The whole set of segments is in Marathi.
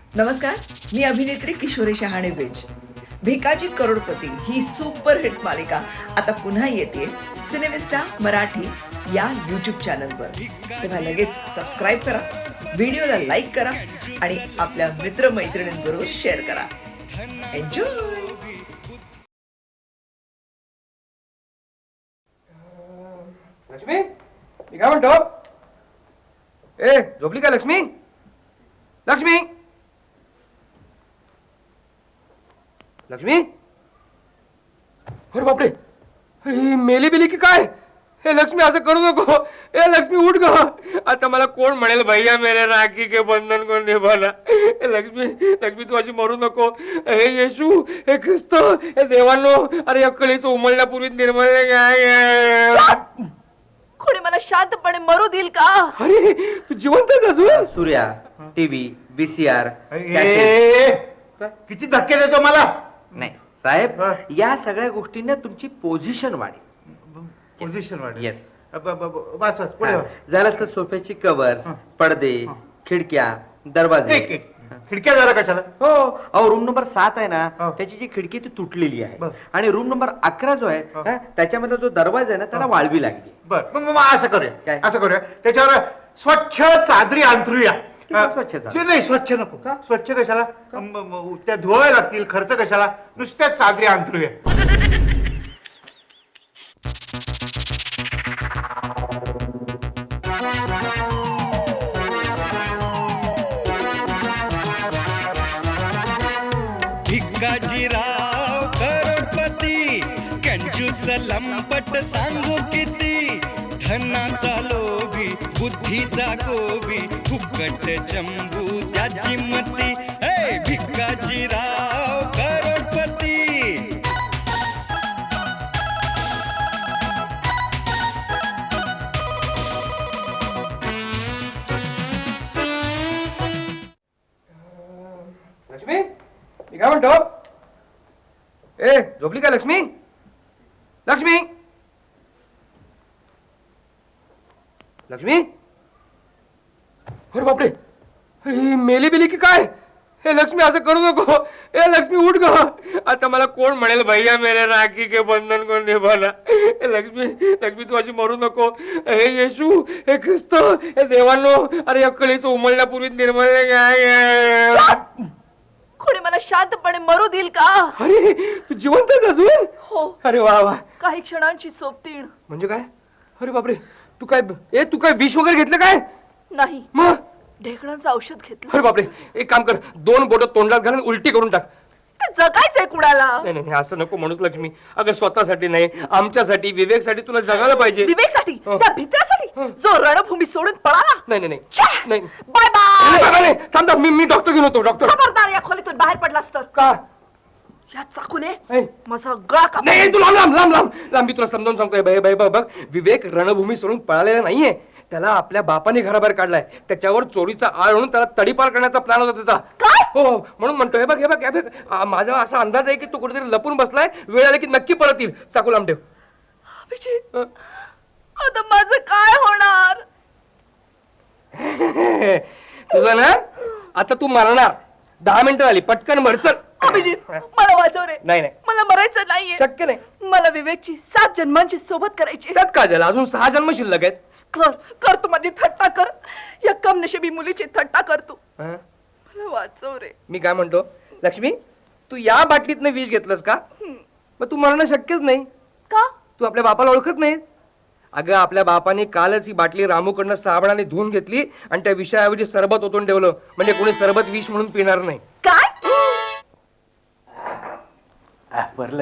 नमस्कार, मी अभिनेत्री किशोरी शहाणे बेज. भिकाजी करोडपती ही सुपरहिट मालिका आता पुन्हा येते सिनेमिस्टा मराठी या यूट्यूब चॅनलवर. तेव्हा लगेच सबस्क्राईब करा, व्हिडिओला लाईक करा आणि आपल्या मित्रमैत्रिणींबरोबर शेअर करा. एन्जॉय. लक्ष्मी, मी काय म्हणतो? ए, झोपली का लक्ष्मी? लक्ष्मी, लक्ष्मी, अरे बापरे, अरे मेली बिली की काय? हे लक्ष्मी, असं करू नको. ए लक्ष्मी, उठ ग. आता मला कोण म्हणेल, भैया मेरे राखी के बंधन कोण निभाला. लक्ष्मी, लक्ष्मी, तू अशी मरू नको. हे येशू, हे ख्रिस्त, हे देवांनो, अरे अक्कलीचं उमलण्यापूर्वी निर्मळ कोणी मला शांतपणे मरू देईल का? अरे तू जिवंतच अजून? सूर्या, टीव्ही, VCR, किती धक्के देतो मला. नाही साहेब, या सगळ्या गोष्टींना तुमची पोझिशन वाढेल. पोझिशन वाढ. येस. वाच वाच पुढे वाच. जरासं सोफ्याची कव्हर्स, पडदे, खिडक्या, दरवाजे. खिडक्या जरा कशाला? हो, अहो रूम नंबर 7 आहे ना, हो. त्याची जी खिडकी आहे ती तुटलेली आहे. बर. आणि रूम नंबर 11 जो आहे, त्याच्यामध्ये जो दरवाजा आहे ना, त्याला वाळवी लागली. बर, मग असं करूया. काय? असं करूया, त्याच्यावर स्वच्छ चादरी अंथरूया. किती स्वच्छ चादरी? नाही, स्वच्छ नको. स्वच्छ कशाला? त्या धुवाव्या लागतील, खर्च कशाला? नुसत्या चादरी अंथरूया. भिकाजीराव करोडपती, कंजूस लंपट सांगू किती. धनाचा लोभी, बुद्धीचा गोबी, फुकट चंबू त्याची मती. हे भिकाजीराव करोडपती. लक्ष्मी, मी काय म्हणतो? ए, झोपली का लक्ष्मी? लक्ष्मी, लक्ष्मी, अरे बापरे, अरे मेली बिली की काय? हे लक्ष्मी, असं करू नको. ए लक्ष्मी, उठ ग. आता मला कोण म्हणेल, भैया मेरे राखी के बंधन कोण निभाला. लक्ष्मी, लक्ष्मी, तू अशी मरू नको. हे येशू, हे ख्रिस्त, हे देवांनो, अरे अक्कलीचं उमलण्यापूर्वी निर्मळ कोणी मला शांतपणे मरू देईल का? अरे तू जिवंतच अजून? हो, अरे वा वा. काही क्षणांची सोबतीण. म्हणजे काय? अरे बापरे, तू काय विष वगैरे घेतलं काय? नाही, मग? ढेकणांचं औषध घेतलं. अरे बापरे, एक काम कर, 2 बोटं तोंडात घालून उलटी करून टाक. ते जगायचंय कुणाला? नाही नाही, असं नको म्हणूस लक्ष्मी. अगं स्वतःसाठी नाही, आमच्यासाठी, विवेकसाठी तुला जगायला पाहिजे. विवेकसाठी, हो. त्या भित्रासाठी जो रणभूमी सोडून पळाला. नाही नाही छ्या! नाही. Bye bye. नाही, बाबा, नाही. थांब थांब, मी डॉक्टर घेऊन होतो. डॉक्टर खबरदार, या खोलीतून बाहेर पडलास तर का? या चाकूने ऐ. माझा गळा काप. नाही, तू लांब लांब लांब लांब लांब. मी तुला समजावून सांगतोय, बघ, विवेक रणभूमी सोडून पळालेला नाहीये. त्याला आपल्या बापाने घराबाहेर काढलाय. त्याच्यावर चोरीचा आळ म्हणून त्याला तडीपार करण्याचा प्लॅन होता त्याचा. काय? हो, म्हणून म्हणतोय, हे बघ, माझा असा अंदाज आहे की तो कुठेतरी लपून बसलाय. वेळ आली की नक्की परत येईल. चाकू लांब ठेव. अभिजित, आता माझं काय होणार? तुझं ना, आता तू मरणार. 10 मिनिटं झाली, पटकन भरचल. अभिजित, मला वाचव रे. नाही नाही, मला मरायचं नाहीये. शक्य नाही. मला विवेकची 7 जन्मांची सोबत करायची. त्यात काय झालं? अजून 6 जन्म शिल्लक आहेत. कर तू माझी थट्टा कर. या कमनशिबी मुलीची थट्टा कर तू. हं? मला वाचव रे. मी काय म्हणतो, लक्ष्मी, तू या बाटलीतनं विष घेतलंस का? मग तू मरणं शक्यच नाही. का? तू आपल्या बापाला ओळखत नाही. अगं, आपल्या बापाने कालच ही बाटली रामूकडनं साबणाने धुवून घेतली आणि त्या विषयाऐवजी सरबत ओतून ठेवलं. म्हणजे कोणी सरबत विष म्हणून पिणार नाही. काय? भरलं.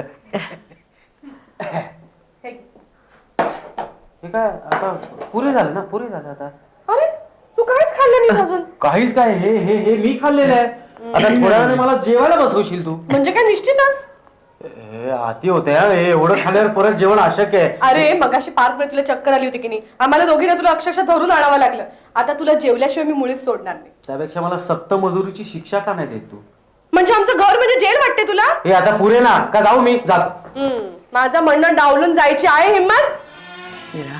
हे काय आता पुरे झालं ना, पुरे झालं आता. अरे, तू काहीच खाल्लं नाही अजून. काहीच काय, हे हे हे मी खाल्लेलं आहे. आता थोड्या वेळाने मला जेवायला बसवशील तू. म्हणजे काय? निश्चितच. हे हाती होते हा, हे एवढं खाल्ल्यावर परत जेवण अशक्य आहे. अरे मगाशी पार्क मध्ये तुला चक्कर आली होती की नाही? आम्हाला दोघींना तुला अक्षरशः धरून आणावं लागलं. आता तुला जेवल्याशिवाय मी मुळीच सोडणार नाही. त्यापेक्षा मला सक्त मजुरीची शिक्षा का नाही देत तू? म्हणजे आमचं घर म्हणजे जेल वाटते तुला? हे आता पुरे ना, का जाऊ मी? जातो. माझं म्हणणं डावलून जायची आहे हिम्मत? मीरा,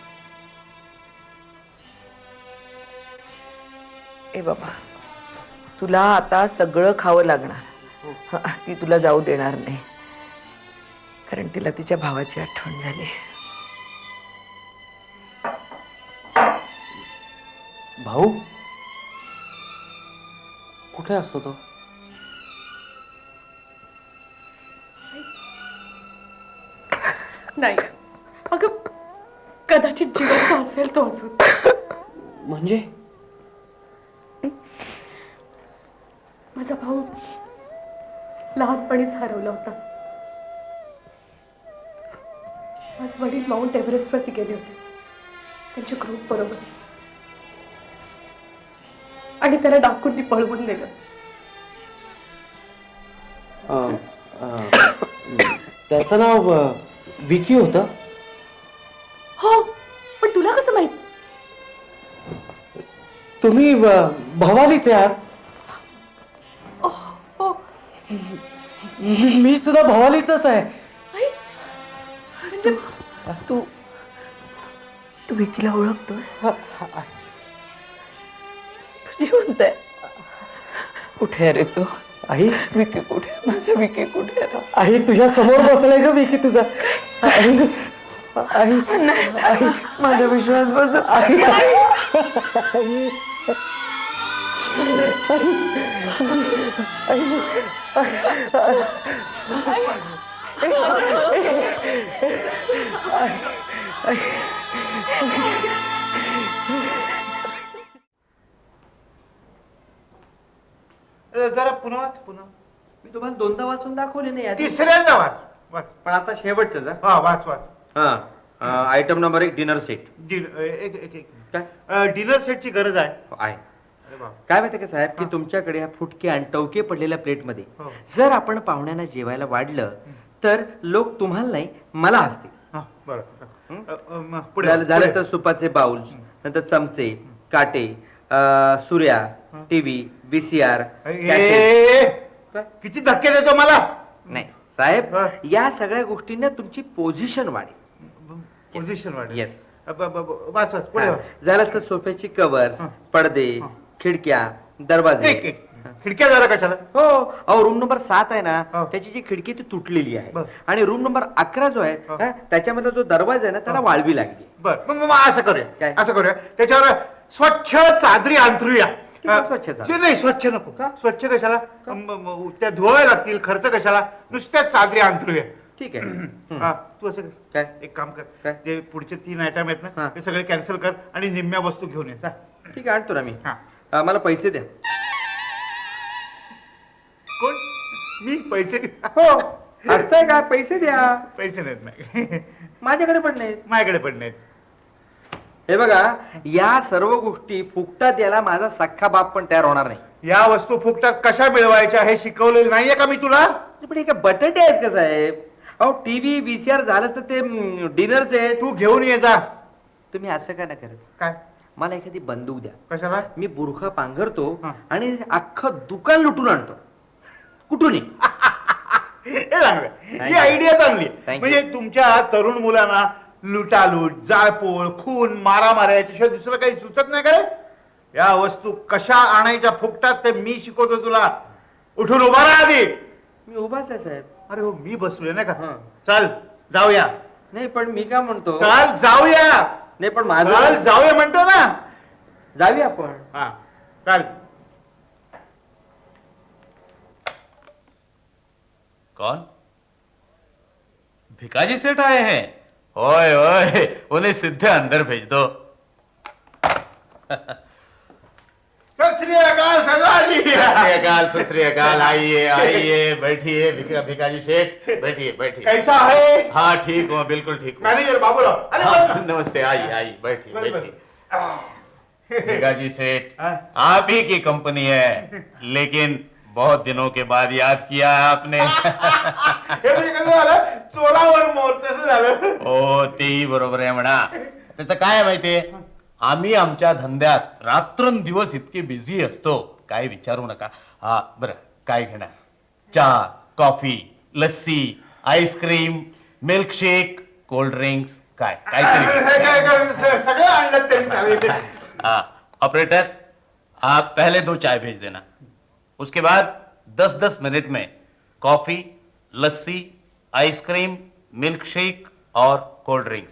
ए बाबा, तुला आता सगळं खावं लागणार. ती तुला जाऊ देणार नाही, कारण तिला तिच्या भावाची आठवण झाली. भाऊ कुठे असतो तो? नाही अगं, कदाचित जिवंत असेल तो अजून. म्हणजे माझा भाऊ लहानपणीच हरवला होता. माझे वडील माउंट एव्हरेस्टवरती गेले होते त्यांच्या ग्रुप बरोबर, आणि त्याला डाकूंनी पळवून नेलं. त्याचं नाव विकी होतं. हो, पण तुला कसं माहित? तुम्ही भवानीचे आहात. हो, मी सुद्धा भवानीचाच आहे. म्हणजे तू तू विकीला ओळखतोस? तू जिवंत आहे. कुठे आहे रे तू? आई, विकी कुठे आहे? माझा विकी कुठे आहे? आई तुझ्या समोर बसलाय ग विकी तुझा. आई, आई, नाही, माझा विश्वास बसत नाही. जरा पुन्हा वाच, पुन्हा. मी तुम्हाला दोनदा वाचून दाखवले नाही यादी. तिसऱ्यांदा वाच, वाच. पण आता शेवटच हा, वाच, वाच. Item number 1 dinner set. काय डिनर सेटची गरज आहे? आहे. अरे बाप. काय माहिती का साहेब, की तुमच्याकडे ह्या फुटके आणि टवके पडलेल्या प्लेटमध्ये हो. जर आपण पाहुण्यांना जेवायला वाढलं तर लोक तुम्हाला नाही मला हसतील. हा, बरं. पुढे झालं पुढे. तर सुपाचे बाउल्स, नंतर चमचे, काटे, सूर्या, टीव्ही, VCR. किती धक्के देतो मला? नाही साहेब, हा. या सगळ्या गोष्टींना तुमची पोझिशन वाढेल. पोझिशन वाढ. येस. वाच, वाच, पुढे वाच. झालं तर सोफ्याची कवर्स, हा. पडदे, हा. खिडक्या, दरवाजे. एक. खिडक्या जरा कशाला? हो अहो, रूम नंबर 7 आहे ना, हो. त्याची जी खिडकी ती तुटलेली आहे. बर. आणि रूम नंबर 11 जो आहे हो. त्याच्यामध्ये जो दरवाजा आहे ना त्याला वाळवी लागली. बर, मग असं करूया. काय? असं करूया, त्याच्यावर स्वच्छ चादरी अंथरूया. किती स्वच्छ चादरी? नाही, स्वच्छ नको. का? स्वच्छ कशाला? त्या धुवायला लागतील, खर्च कशाला? नुसत्याच चादरी अंथरूया. ठीक आहे. हा, तू असं कर. काय? एक काम कर, काय? ते पुढचे 3 आयटम आहेत हा. ना, ते सगळे कॅन्सल कर आणि निम्म्या वस्तू घेऊन ये. जा. ठीक आहे, आणतो ना मी. हा. मला पैसे द्या. कोण? मी पैसे? हो असतंय का? पैसे द्या. पैसे नाहीत नाही. माझ्याकडे पण नाहीत. माझ्याकडे पण नाहीत. हे बघा, या सर्व गोष्टी फुकटात याला माझा सख्खा बाप पण तयार होणार नाही. या वस्तू फुकटात कशा मिळवायच्या हे शिकवलेलं नाहीये का मी तुला? पण हे काय बटाटे आहेत का साहेब? अहो टीव्ही VCR झालंच तर ते डिनर सेट. तू घेऊन ये जा. तुम्ही असं का नाही करत? काय? मला एखादी बंदूक द्या. कशाला? मी बुरखा पांघरतो हा. आणि अख्खं दुकान लुटून आणतो. कुठूनही. हे चांगलं. ही Thank you. आयडिया चांगली. Thank you. म्हणजे तुमच्या तरुण मुलांना लुटालूट, जाळपोळ, खून, मारामाऱ्या याच्याशिवाय दुसरं काही सुचत नाही का रे? या वस्तू कशा आणायच्या फुकटात ते मी शिकवतो तुला. उठून उभा राहा आधी. मी उभाच आहे साहेब. अरे हो, मी बसलोय ना का? हा. चल जाऊया. नाही पण मी काय म्हणतो, चल जाऊया. नाही पण चल माझं जाऊया म्हणतो ना. जाऊया आपण. हा, चल. कौन? भिकाजी सेठ आए हैं? ओए ओए, उन्हें सीधे अंदर भेज दो. सत श्री अकाल सरदारजी. सत श्री अकाल. आइए आइए, बैठिए. भिकाजी सेठ, बैठिए बैठिए. कैसा है? हाँ ठीक हूँ, बिल्कुल ठीक हूँ. मैनेजर बाबूराव. अरे हाँ, बस. नमस्ते. आइए आइए, बैठिए बस, बस. बैठिए. भिकाजी सेठ, हाँ? आप ही की कंपनी है, लेकिन बहुत दिनों के बाद याद किया है आपने. हे म्हणजे कसं झालं? चोरावर मोर तसं झालं. हो तेही बरोबर आहे म्हणा. त्याचं काय आहे माहितीये, आम्ही आमच्या धंद्यात रात्रंदिवस इतके बिझी असतो, काय विचारू नका. हा बरं, काय घेणार? चहा, coffee, lassi, ice cream, milkshake, cold drinks, काय काहीतरी. हे काय सगळं आणलं तरी चालेल. हाँ ऑपरेटर, आप पहले 2 चाय भेज देना. उसके बाद 10-10 मिनट में coffee, lassi, ice cream, milk shake और कोल्ड ड्रिंक्स.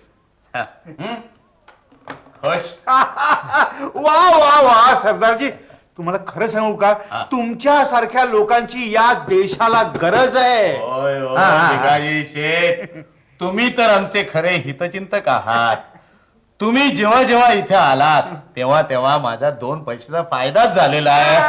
खुश? वा वा वा सरदारजी, तुम्हाला खरं सांगू का, तुमच्या सारख्या लोकांची या देशाला गरज आहे. ओय ओय भिकाजी शेठ, तुम्ही तर आमचे खरे हितचिंतक आहात. तुम्ही जेव्हा जेव्हा इथे आलात तेव्हा तेव्हा माझा 2 पैशाचा फायदाच झालेला आहे.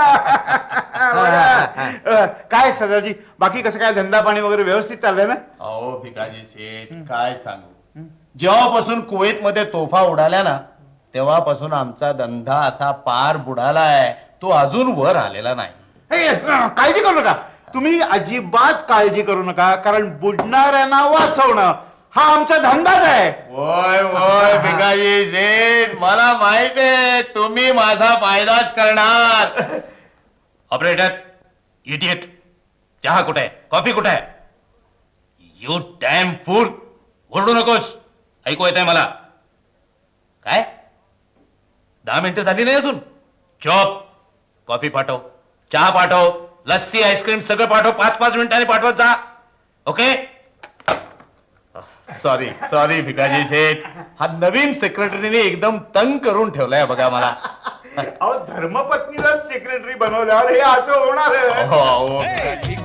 काय सरदारजी, बाकी कसं काय धंदा पाणी वगैरे व्यवस्थित चाललंय ना? अहो भिकाजी शेठ, काय सांगू, जेव्हापासून कुवेत मध्ये तोफा उडाल्या ना तेव्हापासून आमचा धंदा असा पार बुडालाय, तो अजून वर आलेला नाही. हे, काळजी करू नका, तुम्ही अजिबात काळजी करू नका, कारण बुडणाऱ्यांना वाचवणं हा आमचा धंदाच आहे. ओय ओय भिकाजी शेठ, मला माहित आहे तुम्ही माझा फायदाच करणार. ऑपरेटर, इडियट, चहा कुठे आहे, कॉफी कुठे आहे? यू डॅम फूल, ओरडू नकोस, ऐकू येत आहे मला. काय 10 मिनिटं झाली नाही अजून? चॉप, कॉफी पाठव, चहा पाठव, लस्सी, आईस्क्रीम सगळं पाठव, 5-5 मिनिटांनी पाठवत जा. Okay? Sorry sorry Bhikaji Seth, हा नवीन सेक्रेटरीने एकदम तंग करून ठेवलाय बघा मला. अहो, धर्मपत्नीलाच सेक्रेटरी बनवल्यावर हे असं होणार आहे. हो, हो.